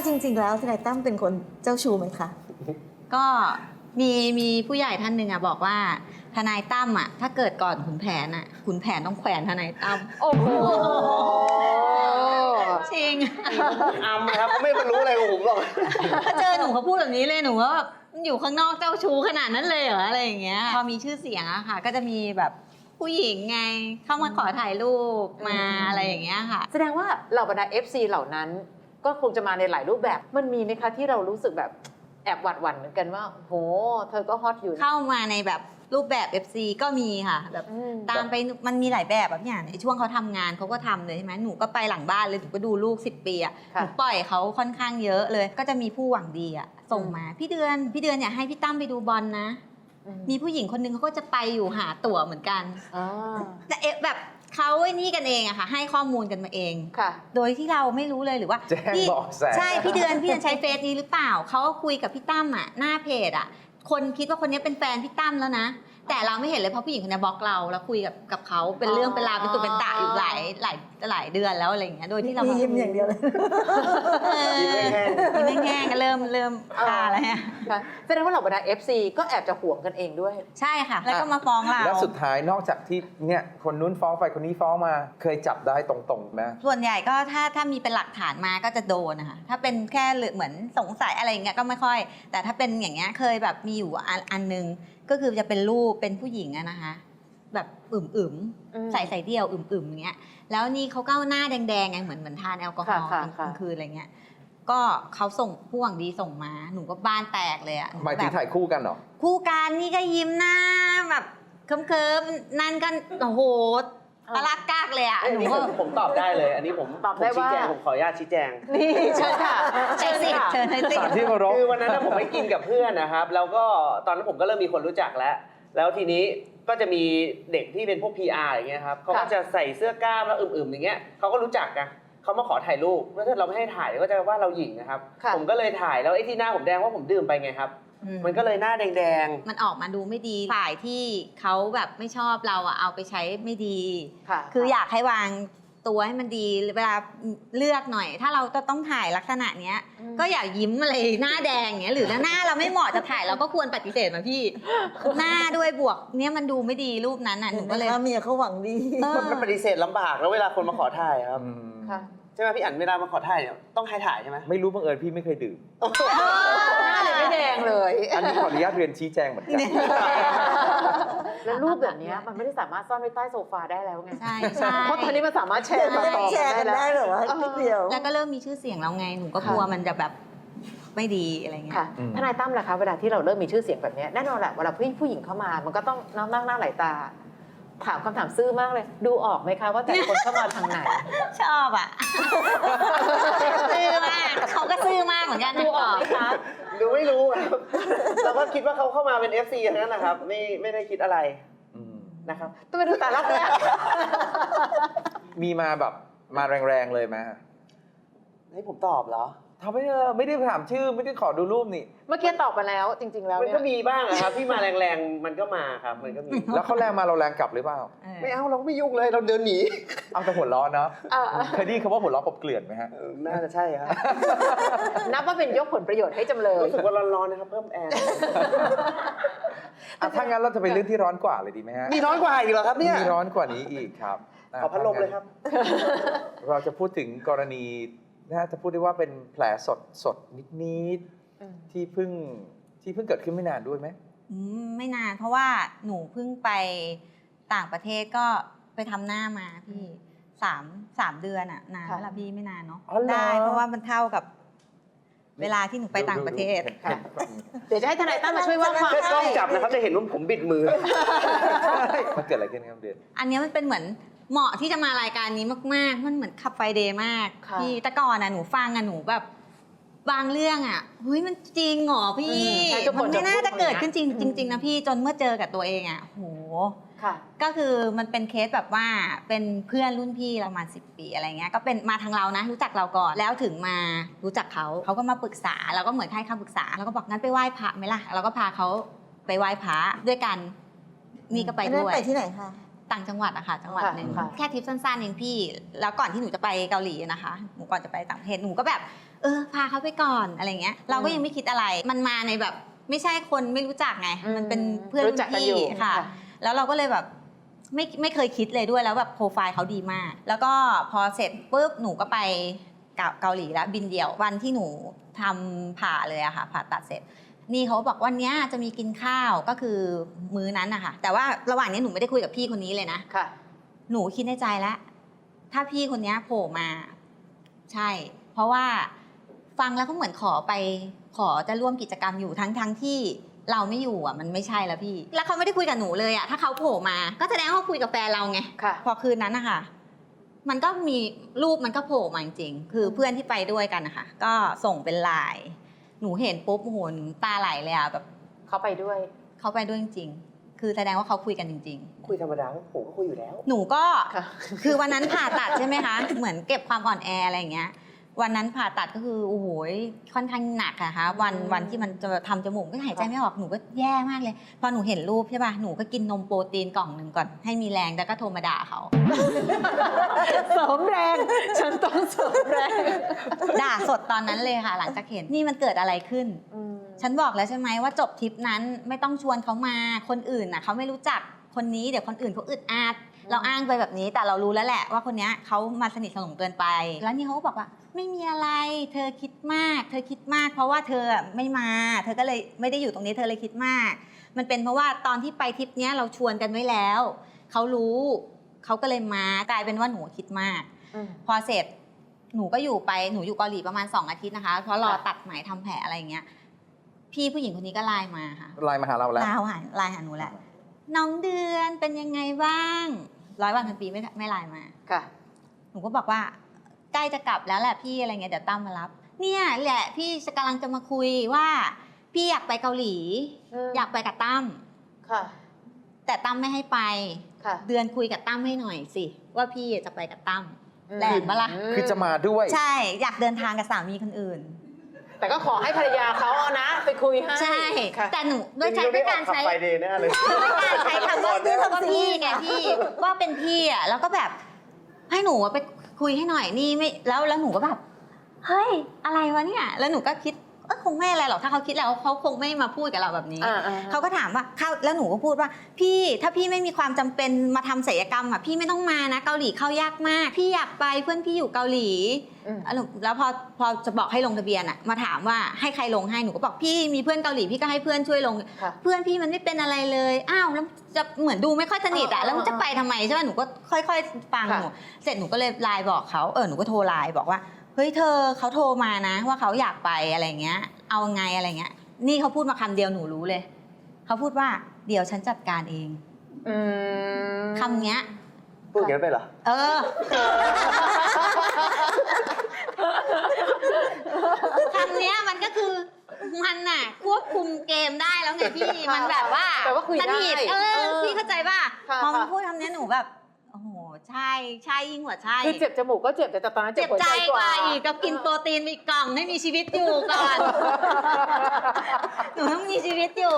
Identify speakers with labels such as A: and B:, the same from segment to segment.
A: จริงๆแล้วทนายตั้มเป็นคนเจ้าชู้ไหมคะ
B: ก็มีผู้ใหญ่ท่านหนึ่งบอกว่าทนายตั้มถ้าเกิดก่อนขุนแผนขุนแผนต้องแขวนทนายตั้ม
C: โอ้โห
B: จริง
D: ครับไม่รู้อะไรของผมหรอก
B: ถ้าเจอหนูเขาพูดแบบนี้เลยหนูว่าอยู่ข้างนอกเจ้าชู้ขนาดนั้นเลยเหรออะไรอย่างเงี้ยพอมีชื่อเสียงค่ะก็จะมีแบบผู้หญิงไงเข้ามาขอถ่ายรูปมาอะไรอย่างเงี้ยค่ะ
C: แสดงว่าเหล่าบรรดา FC เหล่านั้นก็คงจะมาในหลายรูปแบบมันมีไหมคะที่เรารู้สึกแบบแอบหวัดหวั่นเหมือนกันว่าโหเธอก็ฮอตอยู่
B: เข้ามาในแบบรูปแบบ FC ก็มีค่ะแบบตามไปมันมีหลายแบบแบบอย่างในช่วงเขาทำงานเขาก็ทำเลยใช่ไหมหนูก็ไปหลังบ้านเลยหนูก็ดูลูก10 ปีหนูปล่อยเขาค่อนข้างเยอะเลยก็จะมีผู้หวังดีส่งมาพี่เดือนอยากให้พี่ตั้มไปดูบอลนะมีผู้หญิงคนนึงเขาก็จะไปอยู่หาตั๋วเหมือนกันแต่แบบเขาไอ้นี่กันเองค่ะให้ข้อมูลกันมาเองโดยที่เราไม่รู้เลยหรือว่า
D: แจ้งบอกแส
B: ใช่พี่เดือนใช้เฟซนี้หรือเปล่าเขาก็คุยกับพี่ตั้มหน้าเพจคนคิดว่าคนนี้เป็นแฟนพี่ตั้มแล้วนะแต่เราไม่เห็นเลยเพราะผู้หญิงคนนี้บล็อกเราแล้วคุยกับเขาเป็นเรื่องเป็นราวเป็นตุเป็นตะอยู่หลายเดือนแล้วอะไรอย่างเงี้ยโดยที่เรา
A: ยิ้มอย่างเดียวเลย
B: ยิ้มแห้งๆก็เริ่มคาแล้ว
C: แสดงว่าเหล่าบรรดา FC ก็แอบจะห่วงกันเองด้วย
B: ใช่ค่ะแล้วก็มาฟ้องเรา
D: แล้วสุดท้ายนอกจากที่เนี่ยคนนู้นฟ้องไปคนนี้ฟ้องมาเคยจับได้ตรงๆไหม
B: ส่วนใหญ่ก็ถ้ามีเป็นหลักฐานมาก็จะโดนนะคะถ้าเป็นแค่เหมือนสงสัยอะไรอย่างเงี้ยก็ไม่ค่อยแต่ถ้าเป็นอย่างเงี้ยเคยแบบมีอยู่อันนึงก็คือจะเป็นรูปเป็นผู้หญิงนะคะแบบใส่เดี่ยวอย่างเงี้ยแล้วนี่เขาก็หน้าแดงๆไงเหมือนทานแอลกอฮอล์กลางคืนอะไรเงี้ยก็เขาส่งผู้หวังดีส่งมาหนูก็บ้านแตกเลย
D: หมายถึงถ่ายคู่กันเหรอ
B: คู่กันนี่ก็ยิ้มหน้าแบบเคิมๆนั่นก็โอ้โหตะลักกากเลย
E: หนูผมตอบได้เลยอันนี้ผม
C: ตอบได้ว่า
E: ผมขออนุญาตชี้แจง
C: นี่เชิญค่ะ
B: เชิญสิ
D: ที่เคารพ
E: คือวันนั้นผมไปกินกับเพื่อนนะครับแล้วก็ตอนนั้นผมก็เริ่มมีคนรู้จักแล้วทีนี้ก็จะมีเด็กที่เป็นพวก PR อย่างเงี้ยครับเขาก็จะใส่เสื้อกล้ามแล้วอย่างเงี้ยเขาก็รู้จักกันเขามาขอถ่ายรูปแล้วถ้าเราไม่ให้ถ่ายก็จะว่าเราหยิ่งนะครับผมก็เลยถ่ายแล้วไอ้ที่หน้าผมแดงว่าผมดื่มไปไงครับมันก็เลยหน้าแดง
B: มันออกมาดูไม่ดีฝ่ายที่เขาแบบไม่ชอบเราเอาไปใช้ไม่ดีคืออยากให้วางตัวให้มันดีเวลาเลือกหน่อยถ้าเราต้องถ่ายลักษณะเนี้ยก็อย่ายิ้มอะไรหน้าแดงเงี้ยหรือหน้าเราไม่เหมาะจะถ่ายเราก็ควรปฏิเสธมาพี่หน้าด้วยบวกเนี้ยมันดูไม่ดีรูปนั้นหนูก็เลย
A: เมียเขาหวังดี
E: มันปฏิเสธลำบากแล้วเวลาคนมาขอถ่ายครับใช่ไหมพี่อั๋นเวลามาขอถ่ายต้องให้ถ่ายใช่ไหม
D: ไม่รู้บังเอิญพี่ไม่เคยดื่ม
C: หน้าเลยไม่แดงเลย
D: อันนี้ขออนุญาตเรียนชี้แจงเหมือนกัน
C: แล้วรูปแบบนี้มันไม่ได้สามารถซ่อนไว้ใต้โซฟาได้แล้วไง
B: ใช่
C: เพราะตอนนี้มันสามารถแชร์ต่อ
A: กันได้หรอวะเดียว
B: แล้วก็เริ่มมีชื่อเสียงแล้วไงหนูก็กลัวมันจะแบบไม่ดีอะไรเงี้ย
C: ทนายตั้มล่ะคะเวลาที่เราเริ่มมีชื่อเสียงแบบนี้แน่นอนแหละเวลาผู้หญิงเข้ามามันก็ต้องนั่งหน้าหลายตาถามคำถามซื่อมากเลยดูออกไหมคะว่าแต่ละคนเข้ามาทางไหน
B: ชอบซื่อมากเขาก็ซื่อมากเหมือนกัน
C: ดูออกไหมคะ
E: ดูไม่รู้ครับเราก็คิดว่าเขาเข้ามาเป็น FC อย่างนั้นนะครับไม่ได้คิดอะไรนะครับ
C: ต้องไปดูแต่ละคน
D: มีมาแบบมาแรงๆเลยไหม
E: ให้ผมตอบเหรอ
D: ทำไม่ได้ถามชื่อไม่ได้ขอดูรูปนี่
C: เมื่อกี้ตอบไปแล้วจริงๆแล้ว
E: มันก็มีบ้างครับที่มาแรงๆมันก็มาครับมันก็มี
D: แล้วเขาแรงมาเราแรงกลับหรือเปล่า
E: ไม่เอาเราไม่ยุ่งเลยเราเดินหนี
D: เอาแต่หัวล้อเนาะเคยได้ยินคำว่าหัวล้อกบเกลื่อนไหมฮะ
E: น่าจะใช่ครับ
C: นับว่าเป็นยกผลประโยชน์ให้จำเลย
E: รู้สึกว่าร้อนๆนะครับเพิ่มแอร์
D: ถ้างั้นเราจะไปเรื่องที่ร้อนกว่าเลยดีไหมฮะ
E: มีร้อนกว่าอีกเหรอครับเนี่ย
D: มีร้อนกว่านี้อีกครับ
E: ขอพัดลมเลยครับ
D: เราจะพูดถึงกรณีน่าจะพูดได้ว่าเป็นแผลสดนิดๆที่เพิ่งเกิดขึ้นไม่นานด้วยไหม
B: ไม่นานเพราะว่าหนูเพิ่งไปต่างประเทศก็ไปทำหน้ามาพี่3 เดือนนานแล้วพี่ไม่นานเนาะได้เพราะว่ามันเท่ากับเวลาที่หนูไปต่างประเทศ
C: เดี๋ยวจะให้ทนายตั้มมาช่วยว่าความ
E: กล้องจับนะครับจะเห็นว่าผมบิดมือ
D: มันเกิดอะไรขึ้นครับเดือน
B: อันนี้มันเป็นเหมือนเหมาะที่จะมารายการนี้มากๆมันเหมือนขับไฟเดย์มากพี่แต่ก่อนหนูฟังหนูแบบบางเรื่องเฮ้ยมันจริงเหรอพี่มันไม่น่าจะเกิดขึ้นจริงนะพี่จนเมื่อเจอกับตัวเองโหก็คือมันเป็นเคสแบบว่าเป็นเพื่อนรุ่นพี่เรามา10 ปีอะไรเงี้ยก็เป็นมาทางเรานะรู้จักเราก่อนแล้วถึงมารู้จักเขาก็มาปรึกษาเราก็เหมือนให้คำปรึกษาแล้วก็บอกงั้นไปไหว้พระไหมล่ะเราก็พาเขาไปไหว้พระด้วยกันนี่ก็ไปด้วย
A: ไปที่ไหนคะ
B: ต่างจังหวัดอะค่ะจังหวัดหนึ่ง
C: ค่ะ
B: แค่ทริปสั้นๆเองพี่แล้วก่อนที่หนูจะไปเกาหลีนะคะหนูก่อนจะไปต่างประเทศหนูก็แบบพาเขาไปก่อนอะไรเงี้ยเราก็ยังไม่คิดอะไรมันมาในแบบไม่ใช่คนไม่รู้จักไงมันเป็นเพื่อน
C: รู้จักกัน
B: พี่
C: อยู่
B: ค่ะ แล้วเราก็เลยแบบไม่เคยคิดเลยด้วยแล้วแบบโปรไฟล์เขาดีมาก แล้วก็พอเสร็จปุ๊บหนูก็ไปเกาหลีแล้วบินเดี่ยววันที่หนูทำผ่าเลยอะค่ะผ่าตัดเสร็จนี่เขาบอกวันนี้จะมีกินข้าวก็คือมื้อนั้นนะคะแต่ว่าระหว่างนี้หนูไม่ได้คุยกับพี่คนนี้เลยนะ
C: ค่ะ
B: หนูคิดในใจแล้วถ้าพี่คนนี้โผล่มาใช่ เพราะว่าฟังแล้วก็เหมือนขอจะร่วมกิจกรรมอยู่ทั้งที่เราไม่อยู่อ่ะมันไม่ใช่แล้วพี่ แล้วเขาไม่ได้คุยกับหนูเลยอ่ะถ้าเขาโผล่มาก็แสดงว่าเขาคุยกับแฟนเราไง
C: ค่ะ
B: พอคืนนั้นนะคะมันก็มีรูปมันก็โผล่มาจริงๆคือเพื่อนที่ไปด้วยกันนะคะก็ส่งเป็นไลน์หนูเห็นปุ๊บโอ้โหตาไหลเลยอ่ะแบบ
C: เขาไปด้วย
B: เขาไปด้วยจริงๆคือแสดงว่าเขาคุยกันจริงๆ
E: คุยธรรมดาผมก็คุยอยู่แล้ว
B: หนูก็
C: ค่ะ
B: คือวันนั้นผ่าตัดใช่ไหมคะ เหมือนเก็บความอ่อนแออะไรอย่างเงี้ย วันนั้นผ่าตัดก็คือโอ้โหค่อนข้างหนักอะคะวันที่มันจะทำจมูกก็หายใจไม่ออกหนูก็แย่มากเลย พอหนูเห็นรูปใช่ป่ะหนูก็กินนมโปรตีนกล่องหนึ่งก่อนให้มีแรงแล้วก็โทรมาด่าเขา
C: เสริมแรง ฉันต้องเสริมแรง
B: ด่าสดตอนนั้นเลยค่ะ หลังจากเห็นนี่มันเกิดอะไรขึ้น ฉันบอกแล้วใช่ไหมว่าจบทริปนั้นไม่ต้องชวนเขามาคนอื่นน่ะเขาไม่รู้จักคนนี้เดี๋ยวคนอื่นเขาอึดอัดเราอ้างไปแบบนี้แต่เรารู้แล้วแหละว่าคนนี้เขามาสนิทสนมเกินไป แล้วนี่เขาก็บอกว่าไม่มีอะไรเธอคิดมากเพราะว่าเธอไม่มาเธอก็เลยไม่ได้อยู่ตรงนี้เธอเลยคิดมาก มันเป็นเพราะว่าตอนที่ไปทริปเนี้ยเราชวนกันไว้แล้วเขารู้เขาก็เลยมากลายเป็นว่าหนูคิดมาก พอเสร็จหนูก็อยู่เกาหลีประมาณ2 อาทิตย์นะคะเพราะรอตัดไหมทำแผลอะไรอย่างเงี้ยพี่ผู้หญิงคนนี้ก็ไลน์มาค่ะ
D: ไลน์มาหาเราแล้ว
B: ไลน์หาหนูแหละน้องเดือนเป็นยังไงบ้าง100 วันพันปีไม่ไลน์มา
C: ค่ะ
B: หนูก็บอกว่าใกล้จะกลับแล้วแหละพี่อะไรเงี้ยเดี๋ยวตั้มมารับ เนี่ยแหละพี่กำลังจะมาคุยว่าพี่อยากไปเกาหลี อยากไปกับตั้ม
C: ค่ะ
B: แต่ตั้มไม่ให้ไป
C: ค่ะ
B: เดือนคุยกับตั้มให้หน่อยสิว่าพี่จะไปกับตั้มแหลมปะล่ะ
D: คือจะมาด้วย
B: ใช่อยากเดินทางกับสามีคนอื่น
C: แต่ก็ขอให้ภรรยาเขาเอานะ ไปคุยให้
B: ใช่
C: ค่ะ
B: แต่หนูด้วยการใช้
E: ขับไฟเดย์แน่เลย
B: ด้วยการใช้คำว่าพี่ไงพี่ว่าเป็นพี่อ่ะแล้วก็แบบให้หนูไปคุยให้หน่อยนี่ไม่แล้วหนูก็แบบเฮ้ยอะไรวะเนี่ยแล้วหนูก็คิดคงไม่อะไรหรอกถ้าเขาคิดแล้วเขาคงไม่มาพูดกับเราแบบนี้ เขาก็ถามว่าแล้วหนูก็พูดว่าพี่ถ้าพี่ไม่มีความจำเป็นมาทำศัลยกรรมอ่ะพี่ไม่ต้องมานะเกาหลีเข้ายากมากพี่อยากไปเพื่อนพี่อยู่เกาหลีแล้วพอจะบอกให้ลงทะเบียนอ่ะมาถามว่าให้ใครลงให้หนูก็บอกพี่มีเพื่อนเกาหลีพี่ก็ให้เพื่อนช่วยลง เพื่อนพี่มันไม่เป็นอะไรเลยอ้าวแล้วจะเหมือนดูไม่ค่อยสนิทอ่ะแล้วมันจะไปทำไมใช่ไหมหนูก็ค่อยๆฟังหนูเสร็จหนูก็เลยไลน์บอกเขาหนูก็โทรไลน์บอกว่าเฮ้ยเธอเขาโทรมานะว่าเขาอยากไปอะไรเงี้ยเอาไงอะไรเงี้ยนี่เขาพูดมาคำเดียวหนูรู้เลยเขาพูดว่าเดี๋ยวฉันจัดการเองคำเนี้ย
E: พูดอย่างนั้นไปเหรอ
B: คำเนี้ยมันก็คือมันน่ะควบคุมเกมได้แล้วไงพี่มันแบบว่า
C: แต่ว่าคุยได้
B: สนิทพี่เข้าใจป่ะ
C: ค่ะ
B: พอมันพูดคำเนี้ยหนูแบบโอ้โหใช่ยิ่งกว่าใช่
C: คือเจ็บจมูกก็เจ็บแต่ตอนนั้น
B: เจ็
C: เจ็
B: บบ
C: หัว
B: ใจ
C: ใจ
B: ก
C: ก
B: ว่า
C: ว่า
B: อีกก็กินโปรตีนไปอีกกล่องให้มีชีวิตอยู่ก่อน หนูต้องมีชีวิตอยู่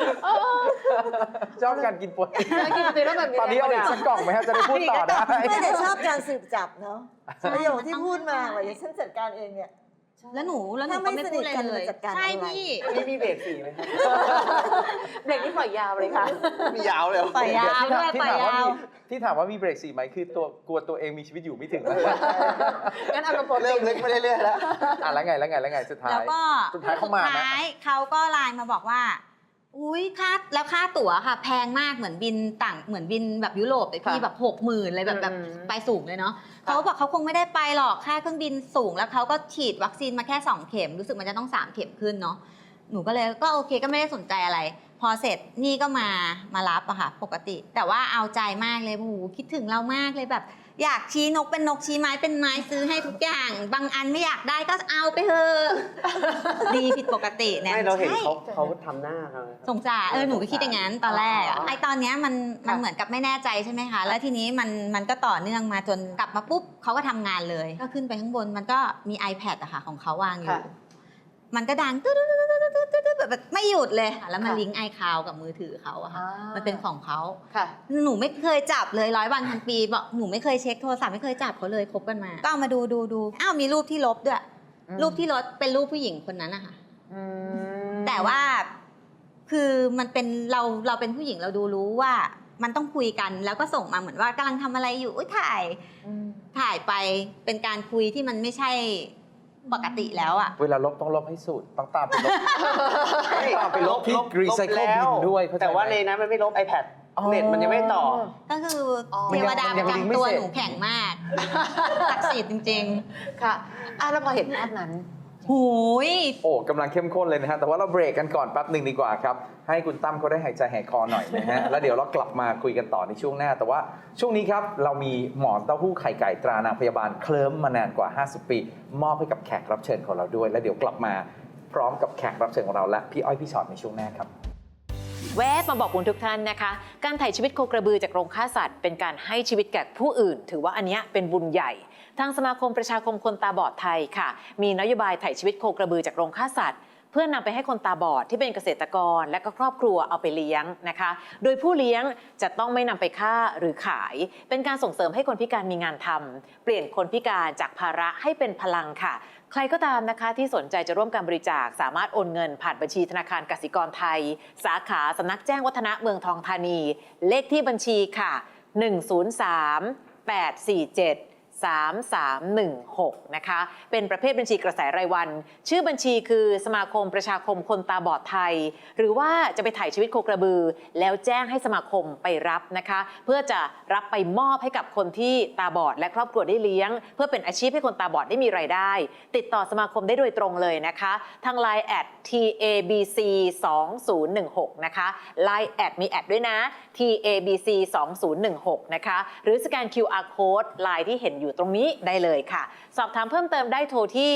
D: ชอบการกินโปรตีน
C: กินโปรตีนแล้วแบบมี
D: ตอนนี้เอาอีกสักกล่องไหมครับจะได้พูดต่อได้
A: ไม่ได้ชอบการสืบจับเนาะประโยคที่พูดมาว่าเดี๋ยวฉันจัดการเองเนี่ย
B: แล้วหนูก็ไม่พูดอะไรเลย
A: ถ้าไม่สนิทกันจะจัดการ
B: ใช่
A: อะไร
B: พี่
E: มีเบรก4ไหมครับ
C: เบรกนี้ปล่อยยาวเลยค่ะ
E: มียาวเลย
B: ปล่อยยาวด้วย
D: ที่
B: ปล่อย
D: ถามว่าย
B: าว
D: ที่ถามว่ามีเบรก4ไหมคือตัวกลัวตัวเองมีชีวิตอยู่ไม่ถึง
C: งั้นเอากระโปรง
E: เริ่มลึกไปเรื่อยๆแล้ว
D: แล้วไงสุดท้าย
B: แล้วก็
D: สุดท้ายเขามานะ
B: เขาก็ไลน์มาบอกว่าอุ้ยค่าตั๋วค่ะ แพงมากเหมือนบินแบบยุโรปแต่พี่แบบ60,000เลยแบบไปสูงเลยเนาะเขาบอกเขาคงไม่ได้ไปหรอกค่าเครื่องบินสูงแล้วเขาก็ฉีดวัคซีนมาแค่2 เข็มรู้สึกมันจะต้อง3 เข็มขึ้นเนาะหนูก็เลยก็โอเคก็ไม่ได้สนใจอะไร พอเสร็จนี่ก็มารับอะค่ะปกติ แต่ว่าเอาใจมากเลยโอ้โหคิดถึงเรามากเลยแบบอยากชี้นกเป็นนกชี้ไม้เป็นไม้ซื้อให้ทุกอย่างบางอันไม่อยากได้ก็เอาไปเถอะดีผิดปกติเนี่ย
E: ไม่เราเห็น
B: ใช่
E: เขาทำหน้าเขา
B: สงสารหนูก็คิดอย่างนั้นตอนแรกไอตอนเนี้ยมันเหมือนกับไม่แน่ใจใช่ไหมคะแล้วทีนี้มันก็ต่อเนื่องมาจนกลับมาปุ๊บเขาก็ทำงานเลยก็ขึ้นไปข้างบนมันก็มี iPad อะค่ะของเขาวางอยู่มันก็ดังตึ๊ดๆๆๆแบบไม่หยุดเลยแล้วมัน
C: ค่ะ
B: ลิงก์ไอคาวกับมือถือเขาอะค่ะ
C: อ่ามั
B: มันเป็นของเขา
C: ค่ะ
B: หนูไม่เคยจับเลย100 วันพันปีบอกหนูไม่เคยเช็คโทรศัพท์ไม่เคยจับเขาเลยคบกันมาก็เอามาดูอ้าวมีรูปที่ลบด้วย
C: อืม
B: รูปที่ลบเป็นรูปผู้หญิงคนนั้นนะคะ
C: อืม
B: แต่ว่าคือมันเป็นเราเป็นผู้หญิงเราดูรู้ว่ามันต้องคุยกันแล้วก็ส่งมาเหมือนว่ากำลังทำอะไรอยู่อุ๊ยถ่ายไปเป็นการคุยที่มันไม่ใช่ปกติแล้วอะ
D: เวลาลบต้องลบให้สุดต้องตามไปลบ ตามไปลบที่ recycle
E: แล้ว
D: bin ด้วยเข้าใจไหม
E: แต่ว่าในนั้นมันไม่ลบ iPad
D: อ๋อ
E: เน็ตมันยังไม่ต่อ
B: ก็คืออ
C: อ
B: เทวดาประ
D: มันยังลิงก์ไม่
B: จำตัว
D: เสร็จ
B: หนูแข็งมากศักดิ์สิทธิ์จริง
C: ค่ะแล้วพอเห็นภาพนั้น
B: ๆหูย
D: โอ้กำลังเข้มข้นเลยนะฮะแต่ว่าเราเบรกกันก่อนแป๊บหนึ่งดีกว่าครับให้คุณตั้มเขาได้หายใจหายคอหน่อยนะฮะ แล้วเดี๋ยวเรากลับมาคุยกันต่อในช่วงหน้า แต่ว่าช่วงนี้ครับเรามีหมอนเต้าหู้ไข่ไก่ตรานางพยาบาลเคลิ้มมานานกว่า 50 ปี มอบให้กับแขกรับเชิญของเราด้วย แล้วเดี๋ยวกลับมาพร้อมกับแขกรับเชิญของเราและพี่อ้อยพี่ชอตในช่วงหน้าครับ
C: แวะมาบอกคุณทุกท่านนะคะ การถ่ายชีวิตโคกระบือจากโรงฆ่าสัตว์เป็นการให้ชีวิตแก่ผู้อื่น ถือว่าอันเนี้ยเป็นบุญใหญ่ ทางสมาคมประชาคมคนตาบอดไทยค่ะ มีนโยบายถ่ายชีวิตโคกระบือจากโรงฆ่าสัตว์ เพื่อนำไปให้คนตาบอดที่เป็นเกษตรกรและก็ครอบครัวเอาไปเลี้ยงนะคะ โดยผู้เลี้ยงจะต้องไม่นำไปฆ่าหรือขาย เป็นการส่งเสริมให้คนพิการมีงานทำเปลี่ยนคนพิการจากภาระให้เป็นพลังค่ะ ใครก็ตามนะคะที่สนใจจะร่วมการบริจาคสามารถโอนเงินผ่านบัญชีธนาคารกสิกรไทย สาขาสำนักแจ้งวัฒนะเมืองทองธานี เลขที่บัญชีค่ะ 103-847-3316 นะคะ เป็นประเภทบัญชีกระแสรายวัน ชื่อบัญชีคือสมาคมประชาคมคนตาบอดไทย หรือว่าจะไปถ่ายชีวิตโคกระบือ แล้วแจ้งให้สมาคมไปรับนะคะ เพื่อจะรับไปมอบให้กับคนที่ตาบอดและครอบครัวได้เลี้ยง เพื่อเป็นอาชีพให้คนตาบอดได้มีรายได้ ติดต่อสมาคมได้โดยตรงเลยนะคะ ทาง Line @TABC 2016 นะคะ Line มีแอดด้วยนะ TABC 2016 นะคะ หรือสแกน QR Code Line ที่เห็นอยู่ตรงนี้ได้เลยค่ะ สอบถามเพิ่มเติมได้โทรที่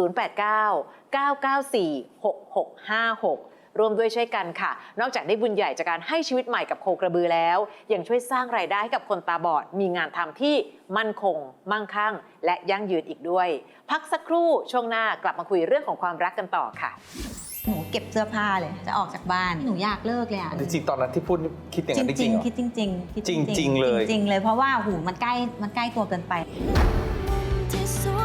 C: 089-994-6656 รวมด้วยช่วยกันค่ะ นอกจากได้บุญใหญ่จากการให้ชีวิตใหม่กับโคกระบือแล้วยังช่วยสร้างรายได้ให้กับคนตาบอดมีงานทำที่มั่นคง มั่งคั่ง และยั่งยืนอีกด้วย พักสักครู่ช่วงหน้ากลับมาคุยเรื่องของความรักกันต่อค่ะ
B: หนูเก็บเสื้อผ้าเลยจะออกจากบ้านหนูอยากเลิกเลยอะ
D: จริงๆตอนนั้นที่พูดคิดอย่างนั้นจริงๆเหรอ
B: คิดจริงๆคิด
D: จริงๆเลย
B: จริงๆเลยเพราะว่าหูมันใกล้ตัวเกินไป
F: ที่สุด